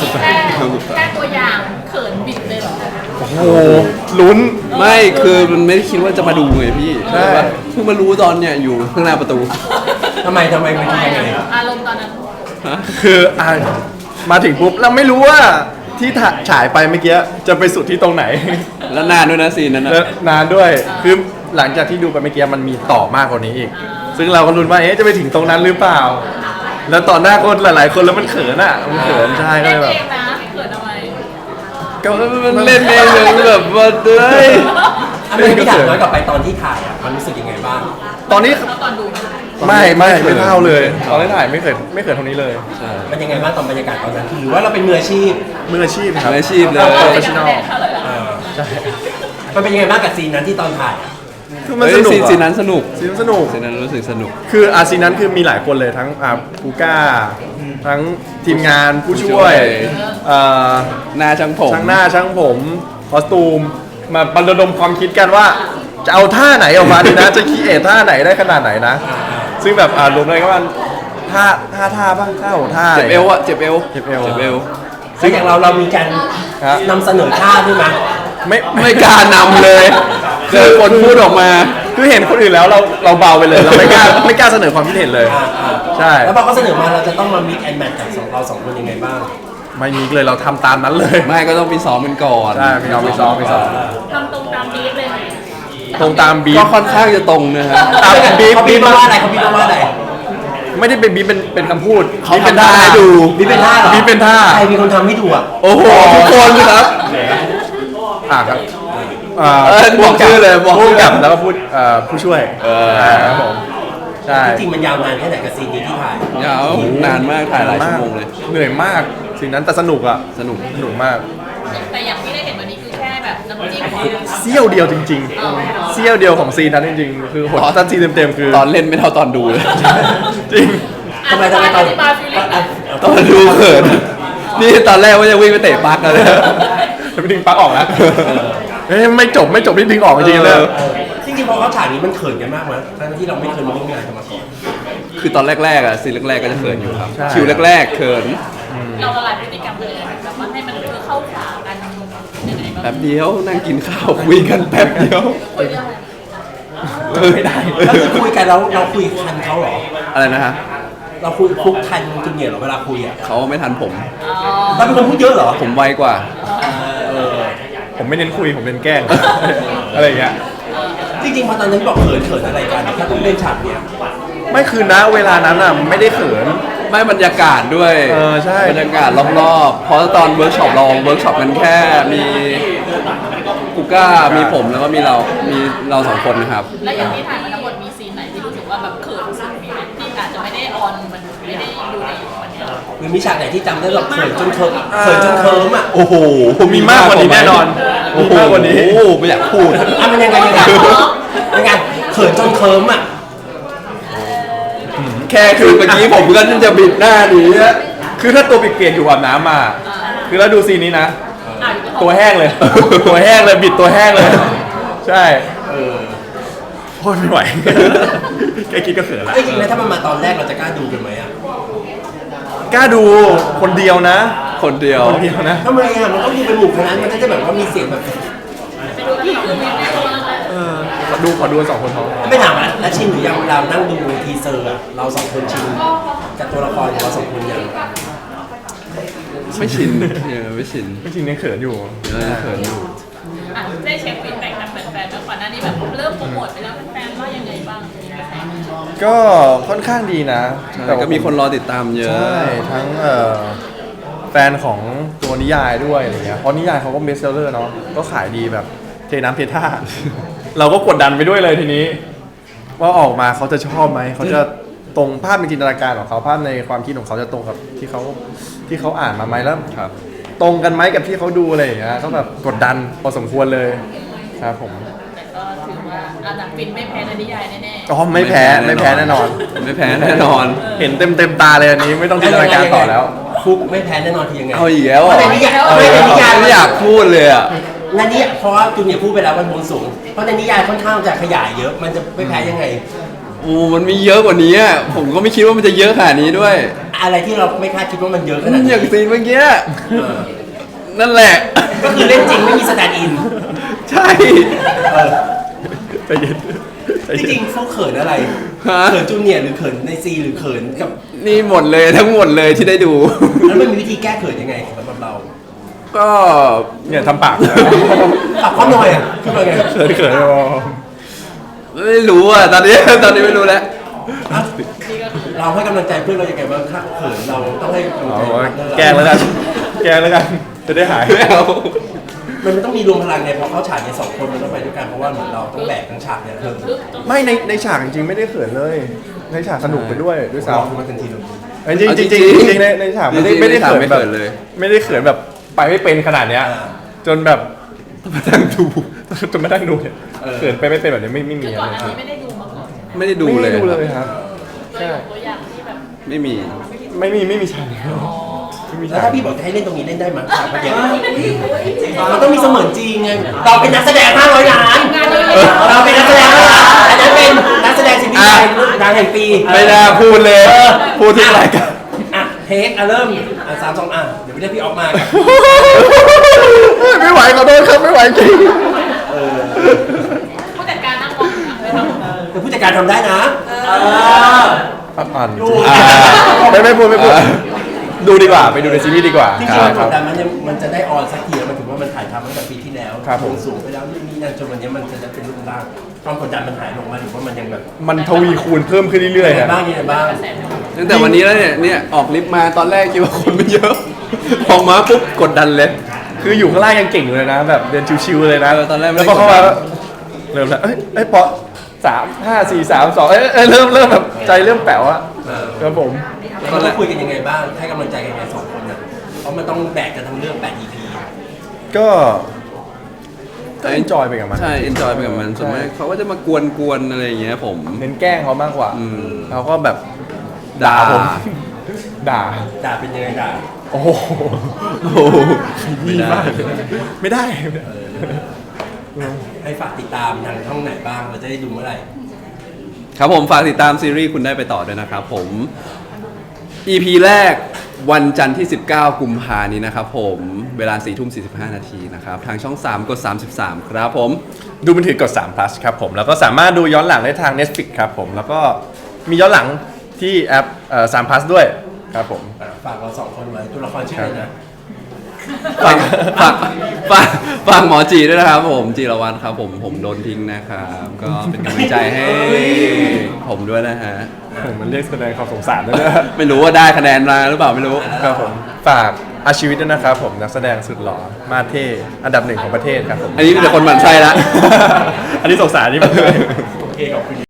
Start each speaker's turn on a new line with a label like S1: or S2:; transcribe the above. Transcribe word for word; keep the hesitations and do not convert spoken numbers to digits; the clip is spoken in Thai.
S1: แค่แค่ตัวอย่างเขินบิดเลยเหรอ
S2: โอ้โหลุ้น
S3: ไม่คือมันไม่ได้คิดว่าจะมาดูไงพี่
S2: ใช่
S3: เพิ่งมารู้ตอนเนี่ยอยู่ข้างหน้าประตู
S4: ทำไมทำไมมันคิดยังไง
S1: อารมณ์ตอนนั้น
S2: คืออ่ะมาถึงปุ๊บเราไม่รู้ว่าที่ถ่าฉายไปเมื่อกี้จะไปสุดที่ตรงไหน
S3: แล้วนานด้วยนะซีนนั้นนะ
S2: แล้วนานด้วยคือหลังจากที่ดูไปเมื่อกี้มันมีต่อมากกว่านี้อีก ซึ่งเราก็ลุ้นว่าเอ๊ะจะไปถึงตรงนั้นหรือเปล่า แล้วต่อหน้าคนหลาย ๆ คนแล้วมันเขินอ่ะมันเขินใช่ก็
S1: เล่
S2: เล
S1: น
S2: ยแบบ
S1: เองนะเขินทำไม
S2: ก็
S3: มันเล่นเองเลยแบบว่าเฮ้ย
S4: อันนี้พี่ถามย้อนกลับไปตอนที่ถ่ายอ่ะมันรู้สึกยังไงบ้าง
S2: ตอนนี้
S1: แล้วตอนดู
S2: ไม่ไม่ไม่เท่าเลยตอนที่ถ่ายไม่เคยไม่เคยเท่านี้เลย
S3: ใช่
S4: มันยังไงบ้างตอนบรรยากาศตอนนั้นหรือว่าเราเป็นมืออาชีพ
S2: มืออาชีพครับ
S3: มืออาชีพเลย
S2: โปรเฟชชั่นอล
S4: เออใช่มันเป็นยังไงบ้างกับซีนนั้นที่ตอนถ่ายอะ
S2: คือมัน
S3: เฮ้
S2: ส
S3: ย
S2: นุก
S3: ซีน
S2: อะ
S3: ซีนนั้นสนุก
S2: ซีนสนุก
S3: ซีนนั้นรู้สึกสนุก
S2: คืออาซีนนั้นคือมีหลายคนเลยทั้งอ่ากูก้า ทั้งทีมงานผู้ช่วย
S3: ผู้ช่วย
S2: เอ่อ
S3: หน้าช่างผม
S2: ช่างหน้าช่างผมคอสตูมมาบรรดมความคิดกันว่า จะเอาท่าไหนออกมาดีนะ จะคีเอทท่าไหนได้ขนาดไหนนะ ซึ่งแบบอ่ารวมเลยก็ว่าท่าท่าท่าบ้างท่าของท่า
S3: เจ็บเอวอะเจ็บเอว
S2: เจ็บเอว
S3: เจ็บเอว
S4: แล้วอย่างเราเรามีการ
S2: ฮะ
S4: นำเสนอท่าด้วยมั้ย
S2: ไม่
S3: ไม่กล้านำเลยคือคนพูดออกมา
S2: คือเห็นคนอื่นแล้วเราเราเบาไปเลยเราไม่กล้าไม่กล้าเสนอความคิดเห็นเลย
S4: อ่าอ่า
S2: ใช่
S4: แล้วพอเขาเสนอมาเราจะต้องมามิกแอนแมทกับสองเราสองคนยังไงบ้าง
S2: ไม่มีเลยเราทำตามนั้นเลย
S3: ไม่ก็ต้องไปซ้อมกันก่อน
S2: ใช่มีซ้อมมีซ้อมมีซ้อม
S1: ทำตรงตามบีฟเลยไหม
S2: ตรงตามบีฟ
S3: ก็ค่อนข้างจะตรงนะฮะ
S2: ตามบีฟ
S4: เขาบี
S2: บี
S4: บ
S2: ฟ
S4: มาว่าอะไรเขาบีบมาว่าอะไร
S2: ไม่ได้เป็นบีฟเป็นเป็นคำพูด
S3: เขา
S2: บีฟเป็น
S3: ทำ
S2: ท่า
S3: ได้
S2: ให้ดู
S4: บีบเป็นท่าเหรอ
S2: บีฟเป็นท่า
S4: ใครเป็นคนทำให้ดูอ่ะ
S3: โอ้โหทุกคนครับ
S2: อ่าครับอ่า
S3: เออบอกชื่อเลยบอกชื่
S2: ผู้
S3: อ
S2: กับแล้วก็ผู้เอ่อผู้ช่วย
S3: เออ
S2: ครับผมใช่
S4: จริงๆมันยาวนานแค่ไหนกับซีนนี้ที่ถ่าย
S3: ยาวนานมากถ่ายหลายชั่วโมงเลย
S2: เหนื่อยมากสิ่งนั้นแต่สนุกอ่ะ
S3: สนุก
S2: สนุกมาก
S1: แต่อย่างที่ได้เห็นวันนี้คือแค่แบบน้ำจิ้ม
S2: เสี้ยวเดียวจริงๆเสี้ยวเดียวของซีนนั้นจริงๆคือหดถ้าซีนเต็มๆคือ
S3: ตอนเล่นไม่เท่าตอนดูเลย
S2: จริง
S4: ทำไมทำไมต
S1: อ
S4: อน
S1: ธิบายฟีลลิ่งหน่อย
S3: ตอนดูเขินนี่ตอนแรกว่าจะวิ่งไปเตะปลั๊กเลย
S2: จะไปดึงปลั๊กออกแล้วเอ้ยไม่จบไม่จบที่ดึงออกจริงๆเลย
S3: เออ
S4: จริงๆพอเขาฉากนี้มันเขินกันมากมั้ยทั้งที่เราไม่เคยมาร่วมงานกันมาก่อน
S3: คือตอนแรกๆอะซีนแรกๆก็จะเขินอยู่ครับ
S2: ใช่
S3: คิวแรกๆเขิน
S1: เราละลายพฤติกรรมเลยแบบว่าให้มันคือเข้าขากันยังไงบ้าง
S3: แป๊บเดียวนั่งกินข้าวคุยกันแป๊บเดียว
S1: คุยเรื่องอะไร
S3: เออไม่ได้
S4: แล้วคือคุยกันแล้วเราคุยทันเขาเหรอ
S3: อะไรนะฮะ
S4: เราคุยคุกทันจูเนียร์เหรอเวลาคุยอ่ะ
S3: เขาไม่ทันผม
S1: อ๋อ
S4: เราเป็นคนพูดเยอะเหรอ
S3: ผมไวกว่า
S4: เออ
S2: ผมไม่เน้นคุยผมเน้นแกล้ง อะไรอย่างเงี้ย
S4: จริงๆพอตอนนั้นบอกเขินเขินอะไรกันถ้าต้องเล่นฉากเนี้ย
S2: ไม่คือนะเวลานั้นอ่ะไม่ได้เขิน
S3: ไม่บรรยากาศด้วย
S2: เออใช่
S3: บรรยากาศรอบๆ เพราะตอนเวิร์กช็อปเราเวิร์กช็อปกันแค่มีกูก้ามีผมแล้วก็มีเรา มีเราสองคนนะครับ
S1: แล้วอย่างที่ถ่ายมาทั้งหมดมีซีนไหนที่รู้สึกว่าแบบเขินสุดมีไหมที่อาจจะไม่ได้ออนมันไม่ได้ดูในวันนี้
S4: หรือมีฉากไหนที่จำได้แบบเขินจนเคิร์มเขินจนเคิร์มอ่ะ
S3: โอ้โห
S2: มีมากกว่านี้แน่นอน
S3: โอ้โห
S2: มีมากกว่านี้
S3: โอ้โหไม่อยากพูด
S4: อ่ะมันยังไงยังไงยังไงเขินจนเคิร์มอ่ะ
S3: แค่คือเมื่อกี้ผมก็จะบิดหน้าหนีอะ
S2: คือถ้าตัวเปียกๆอยู่อาบน้ำมา คือแล้วดูซีนนี้นะ
S1: อ่ะอยู่
S2: ตัวแห้งเลย ตัวแห้งเลยบิดตัวแห้งเลย ใช่โคตรไม่ไหว แค่คิดก็เขินละ
S4: เอ้ยจริงๆแล้วถ้ามันมาตอนแรกเราจะกล้าดูกันไหมอ่ะ
S2: กล้าดูคนเดียวนะ
S3: คนเดียว
S2: คนเดียวนะ
S4: ทำไมอ่ะมันต้องดูเป็นหมู่คณะมันก็จะแบบว่ามีเสียงแบบ
S1: ไปดูกันสองคนนี้ไม่รู้อะไร
S2: เออขอดูขอดูสองคนเขา
S4: ไม่ถามอ่ะแล้วชินหรือยังเวลานั่งดูทีเซอร์อ่ะเราสองคนชินกับตัวละครของเราสองคนยัง
S3: ไม่ชินเออไม่ชิน
S2: ไม่จริงยังเขินอยู่
S3: เออเขินอยู่
S1: อ่ะได้เช็คฟีดแบ็กจากแฟนๆแล้วก่อนหน้านี้แบบเริ่มโปรโมทไปแล้วแฟนๆว่ายังไงบ้างมีกระแสไหม
S2: ก็ค่อนข้างดีนะ
S3: แต่ก็มีคนรอติดตามเยอะ
S2: ใช่ทั้งเอ่อแฟนของตัวนิยายด้วยอะไรเงี้ยเพราะนิยายเขาก็เบสเซลเลอร์เนาะก็ขายดีแบบเทน้ำเทท่า เราก็กดดันไปด้วยเลยทีนี้ ว่าออกมาเขาจะชอบไหมเขาจะตรงภาพในจินตนาการของเขาภาพในความคิดของเขาจะตรงกับที่เขาที่เขาอ่านมาไหมแล้ว
S3: ครับ
S2: ตรงกันไหมกับที่เขาดูอะไรอย่างเงี้ยก็แบบกดดันพอสมควรเลยครับผม
S1: แต่ก็ถือว่าอันดับฟินไม่แพ้ในนิยายแน่ๆ
S2: อ๋อไม่แพ้ไม่แพ้แน่นอน
S3: ไม่แพ้แน่นอน
S2: เห็นเต็มเต็มตาเลยอันนี้ไม่ต้องจินตนาการต่อแล้ว
S4: ฟุกไม่แพ้แน่นอนคือยังไง
S3: เอาอีกแล้วเหรอ
S4: เพราะในนิยาย
S3: เอ
S4: ไม่
S3: อ
S4: ในนิยาย
S3: ไม่อยากพูดเลยอ่ะ
S4: ในนี้เพราะว่าจูเนียร์พูดไปแล้วมันบนสูง เพราะในนิยายค่อนข้างจะขยายเยอะ มันจะไม่แพ้ยังไง
S3: โอ้มันมีเยอะกว่านี้อะผมก็ไม่คิดว่ามันจะเยอะขนาดนี้ด้วย
S4: อะไรที่เราไม่คาดคิดว่ามันเยอะขนาด
S3: อ
S4: นี้
S3: ย่างซีนเมื่อกี้
S4: เออ
S3: นั่นแหละ
S4: ก็คือเล่นจริงไม่มีสแตนด์อิน
S3: ใช่
S4: เออ
S2: ใจเย็นใจ
S4: จ
S2: เย็น
S4: ริงๆเขาเขินอะไร
S3: ฮะ
S4: เขินจูเนียร์หรือเขินในซีหรือเขินกับ
S3: นี่หมดเลยทั้งหมดเลยที่ได้ดู
S4: แล้วมันมีวิธีแก้เขินยังไงสำหรับเรา
S3: ก็
S2: เนี่ยทำปากนะ
S4: ปรับข้อหน่อยอ่ะขึ้นมาไง
S2: เขินเขินๆอ๋อ
S3: ไม่รู้อ่ะตอนนี้ตอนนี้ไม่รู้แล้ว
S4: อ่ะเราให้กำลังใจเพื่อนเรายังไงบ้างถ้าเขินเราต้องให้กำลัง
S2: เอา
S4: ใจ
S2: ว่า
S4: เพื่อนเรา
S2: แกล้งแล้วกันแกล้งแล้วกันจะได้หาย
S3: ไม่เอา
S4: มันต้องมีรวมพลังไงเพราะเขาฉากเนี่ยสองคนมันต้องไปด้วยกันเพราะว่าเหมือนเราต้องแบกทั้งฉากเนี่ยเออ
S2: ไม่ในในฉากจริงๆไม่ได้เขินเลย ในฉากสนุกไปด้วยด้วย
S4: เรา
S2: ซ้ำ
S4: คือมันทันทีเลย
S2: จริงๆจริงๆจริงๆจริงๆในในฉากไม่ได้ไม่ได้เขินแบบ
S3: เลย
S2: ไม่ได้เขินแบบไปไม่เป็นขนาดเนี้ย จนแบบมานั่งดูจนมานั่งดูเนี่ยเขินไปไม่เป็นแบบนี้ไม่ไม่มี
S1: คือ
S2: อะ
S1: ก่อน
S2: ไร
S1: หน้านี้ไม่ได้ดูมาก่อนใช่ไหม
S3: ไม่ได้ดูเลย
S2: ไม่ได้ดูเลยครับ
S1: เคยดูตัวอย่างที่แบบ
S3: ไม่มี
S2: ไม่มีไม่มีฉากนี้ไม่มี
S4: แล้ว
S2: ฉาก
S4: ถ้าพี่บอกจะให้เล่นตรงนี้เล่นได้ไหมฉากเมื่อกี้มันต้องมีเสมือนจริงไงเราเป็นนักแสดงห้าร้อยล้านเราเป็นนักแสดงห้าร้อยล้านอันนั้นเป็นนักแสดงซีรีส์ไทยดังแห่งปี
S2: ไม่น่าพูดเลยพูดทุกรายการ
S4: อ่ะเทคอ่ะเริ่มอ่ะสามสองอ่ะเดี๋ยวไปเรียกพี่ออกมากับ
S2: ไม่ไหวขอโทษครับไม่ไหวจริง
S1: ผู้จัดการนั่งมองอยู่นะเลยทำ
S4: แต่ผู้จัดการทำได้นะเออ
S2: อ่าน
S4: ดู
S2: อ่าไม่ไม่พูดไม่พูดดูดีกว่าไปดูในซีรีส์ดีกว่า
S4: จริง
S2: ค
S4: ๆ
S2: รั
S4: มันก
S2: บครั
S4: ด
S2: บ
S4: ดันมันยังมันจะได้ออนสักทีแล้วมันถือว่ามันถ่ายทำตั้งแต่ปีที่แล้ว
S2: ครับผม
S4: วงสูงไปแล้วนี่นี่นั่นจนวันนี้มันจะเป็นรูปร่างความกดดันมันหายลงมาหรือว่ามันยังแบบ
S2: มันทวีคูณเพิ่มขึ้นเรื่อยๆ
S4: ยังไง
S2: ฮะ
S4: บ้างยังไงบ้าง
S3: ตั้งแต่วันนี้แล้วเนี่ยเนี่ยออกลิฟต์มาตอนแรกคิดว่าคนไม่เยอะ ออกมาปุ๊บกดดันเลย
S2: คืออยู่ข้างล่างยังเก่งอยู่เลยนะ แบบเดินชิวๆเลยนะ
S3: เออตอนแรกไม่
S2: แล้ว
S3: ได้
S2: พอเข้ามา
S3: กดดัน
S2: เริ่มแล้วเอ้ยเอ้ยปอสามห้าสี่สามสองเอ้ยเอ้ยเริ่มเริ่มแบบใจเริ่มแป๋วอะ
S4: เออ
S2: ครับผม
S4: แล้วเราคุยกันยังไงบ้างให้กำลังใจกันยังไงสองคนน่ะเพราะมันต้องแบกกันทั้งเรื่องแปด อี พี
S2: ก็ก็เอนจอยไปกับมัน
S3: ใช่ เอนจอยไปกับมันส่วนมากเขาก็จะมากวนๆอะไรอย่างเงี้ยผม
S2: เน้นแกล้งเขามากกว่า
S3: อืม
S2: เขาก็แบบ
S3: ด่า
S2: ผม ด่า
S4: ด่าเป็นยังไงด่า
S2: โอ้โห
S3: โอ้โหไม่ได้
S2: ไม่ได้
S4: ให้ฝากติดตามทางช่องไหนบ้างเราจะได้ดูเมื่อไหร่
S3: ครับผมฝากติดตามซีรีส์คุณได้ไปต่อด้วยนะครับผม อี พี แรกวันจันทร์ที่ สิบเก้า กุมภานี้นะครับผมเวลา สี่ทุ่มสี่สิบห้า นาทีนะครับ ทางช่อง สาม กด สามสิบสาม ครับผม
S2: ดูมือถือกดสาม plus ครับผม แล้วก็สามารถดูย้อนหลังได้ทาง Netflix ครับผม แล้วก็มีย้อนหลังที่แอปเอ่อสาม plus ด้วยครับผม
S4: อ่ะฝากเราสองคนไว้ตัวละครชื่ออะไรนะ
S3: ฝากฝากฝากฝากหมอจีด้วยนะครับผมจีรวัตรครับผมผมโดนทิ้งนะครับ ก็เป็นกำลังใจให้ผมด้วยนะฮะ
S2: ผมมันเรียกแสดงความสงสารด้วยนะ
S3: ไม่รู้ว่าได้คะแนนมาหรือเปล่าไม่รู้
S2: ครับผม ฝากอาชีวิตด้วยนะครับผม นักแสดงสุดหล่อ มาเท่ อันดับหนึ่งของประเทศครับผม
S3: อันนี้มีแต่คนหมั่นไส้ละ
S2: อันนี้สงสารนี่มันเลย
S4: โอเคขอบคุณ